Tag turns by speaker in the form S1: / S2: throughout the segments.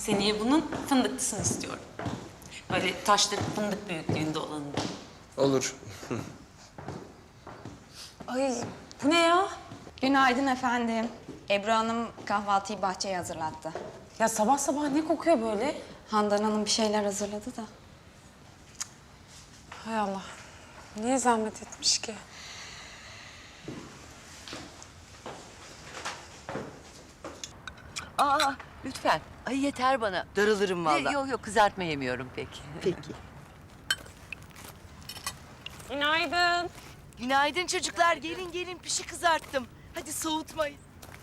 S1: Seneye bunun fındıklısını istiyorum. Böyle taşları fındık büyüklüğünde olanı.
S2: Olur.
S1: Ay bu ne ya?
S3: Günaydın efendim. Ebru Hanım kahvaltıyı bahçeye hazırlattı.
S1: Ya sabah sabah ne kokuyor böyle?
S3: Handan Hanım bir şeyler hazırladı da.
S1: Hay Allah. Niye zahmet etmiş ki?
S4: Aa, lütfen. Ay yeter bana.
S5: Darılırım vallahi.
S4: Yok yok, kızartma yemiyorum pek.
S5: Peki.
S1: Günaydın.
S5: Günaydın çocuklar. Gelin gelin pişi kızarttım. Hadi soğutmayın.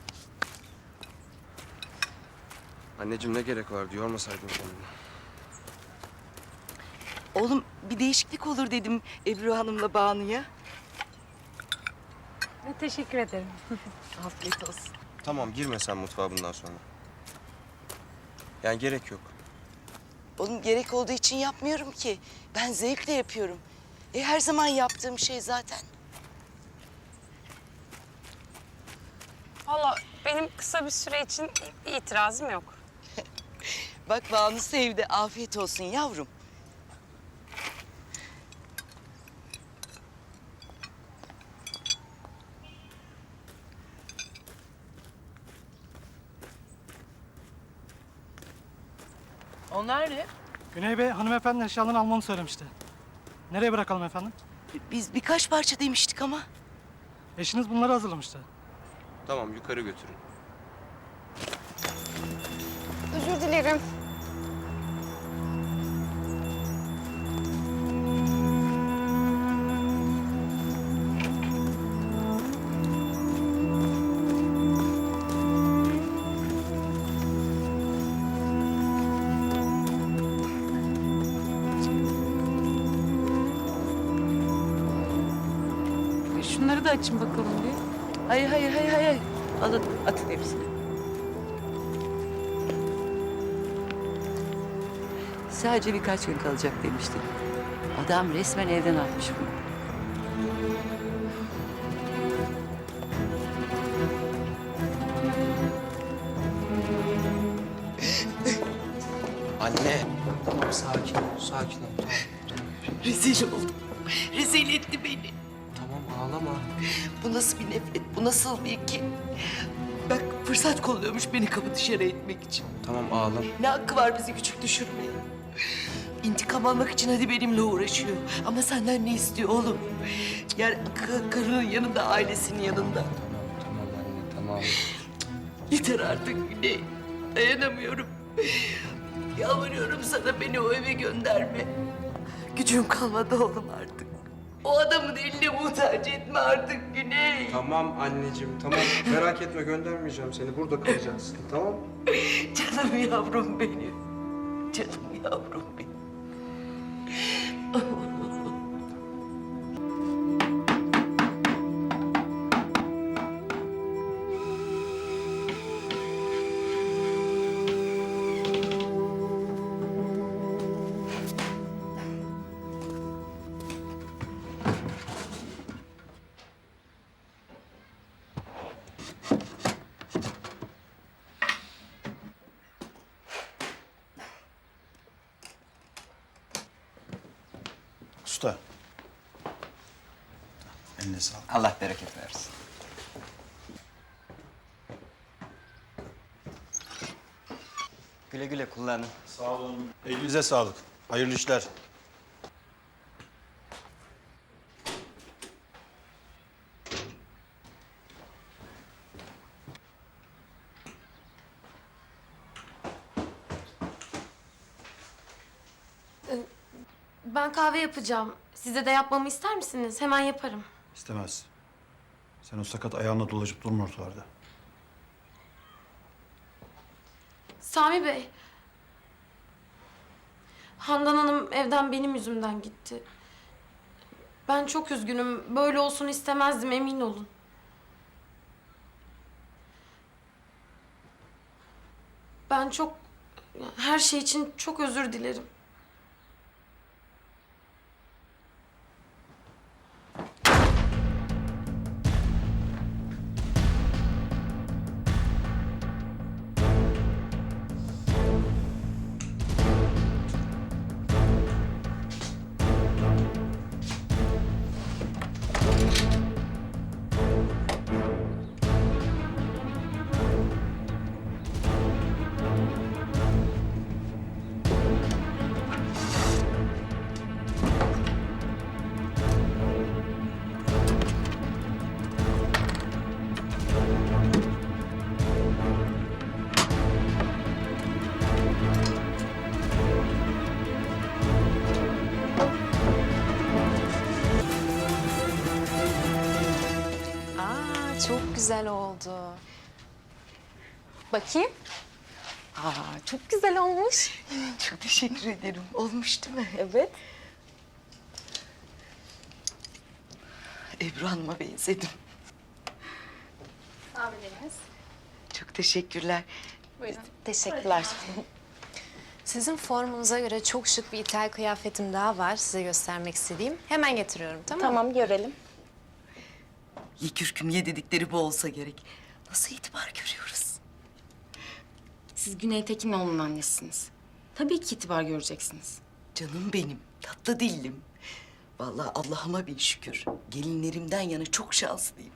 S2: Anneciğim ne gerek vardı? Yormasaydın kendini.
S5: Oğlum bir değişiklik olur dedim Ebru Hanım'la Banu'ya.
S1: Teşekkür ederim.
S5: Afiyet olsun.
S2: Tamam girme sen mutfağa bundan sonra. Yani gerek yok.
S5: Oğlum gerek olduğu için yapmıyorum ki. Ben zevkle yapıyorum. Her zaman yaptığım şey zaten.
S6: Valla benim kısa bir süre için itirazım yok.
S5: Bak Banu sevdi. Afiyet olsun yavrum.
S4: Onlar ne?
S7: Güney Bey hanımefendinin eşyalarını almamı söylemişti. Nereye bırakalım efendim?
S5: Biz birkaç parça demiştik ama.
S7: Eşiniz bunları hazırlamıştı.
S2: Tamam yukarı götürün.
S6: Özür dilerim.
S1: Şunları da açın bakalım bir.
S4: Hayır. Alın, atın hepsini. Sadece birkaç gün kalacak demiştin. Adam resmen evden atmış bunu.
S2: Anne. Tamam sakin ol. Sakin ol. Tamam.
S5: Rezil oldum. Rezil etti beni.
S2: Tamam ağlama.
S5: Bu nasıl bir nefret, bu nasıl bir kin? Bak fırsat kolluyormuş beni kapı dışarı etmek için.
S2: Tamam ağlama.
S5: Ne hakkı var bizi küçük düşürmeye? İntikam almak için hadi benimle uğraşıyor. Ama senden ne istiyor oğlum? Yani karının yanında, ailesinin yanında.
S2: Tamam anne tamam.
S5: Yeter artık Güney. Dayanamıyorum. Yalvarıyorum sana beni o eve gönderme. Gücüm kalmadı oğlum artık. O adamın eline muhtaç etme artık Güney.
S2: Tamam anneciğim tamam. Merak etme göndermeyeceğim seni. Burada kalacaksın tamam.
S5: Canım yavrum benim. Canım yavrum benim.
S8: Usta. Eline sağlık.
S9: Allah bereket versin. Güle güle kullanın.
S8: Sağ olun. Elinize sağlık. Hayırlı işler.
S10: Ben kahve yapacağım. Size de yapmamı ister misiniz? Hemen yaparım.
S8: İstemez. Sen o sakat ayağınla dolaşıp durma ortalarda.
S10: Sami Bey. Handan Hanım evden benim yüzümden gitti. Ben çok üzgünüm. Böyle olsun istemezdim, emin olun. Ben her şey için çok özür dilerim.
S3: Aa, çok güzel oldu. Bakayım. Aa, çok güzel olmuş.
S5: Çok teşekkür ederim. Olmuş değil mi?
S3: Evet.
S5: Ebru Hanım'a benzedim.
S3: Abilerimiz.
S5: Çok teşekkürler.
S11: Teşekkürler. Sizin formunuza göre çok şık bir İthal kıyafetim daha var size göstermek istediğim. Hemen getiriyorum, tamam mı?
S3: Tamam, görelim.
S5: Ye kürküm ye dedikleri bu olsa gerek. Nasıl itibar görüyoruz?
S12: Siz Güney Tekinoğlu'nun annesisiniz. Tabii ki itibar göreceksiniz.
S5: Canım benim, tatlı dillim. Vallahi Allah'ıma bin şükür. Gelinlerimden yana çok şanslıyım.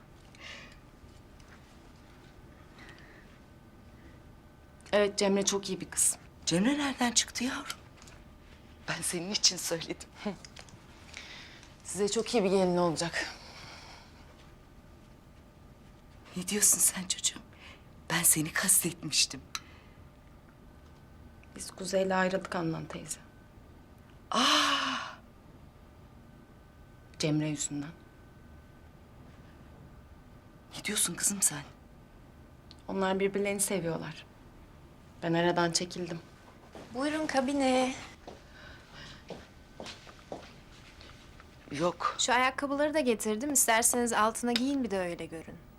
S12: Evet, Cemre çok iyi bir kız.
S5: Cemre nereden çıktı yavrum? Ben senin için söyledim.
S12: Size çok iyi bir gelin olacak.
S5: Ne diyorsun sen çocuğum? Ben seni kastetmiştim.
S12: Biz Kuzey'le ayrıldık Handan teyze. Cemre yüzünden.
S5: Ne diyorsun kızım sen?
S12: Onlar birbirlerini seviyorlar. Ben aradan çekildim.
S11: Buyurun kabine.
S5: Yok.
S11: Şu ayakkabıları da getirdim. İsterseniz altına giyin bir de öyle görün.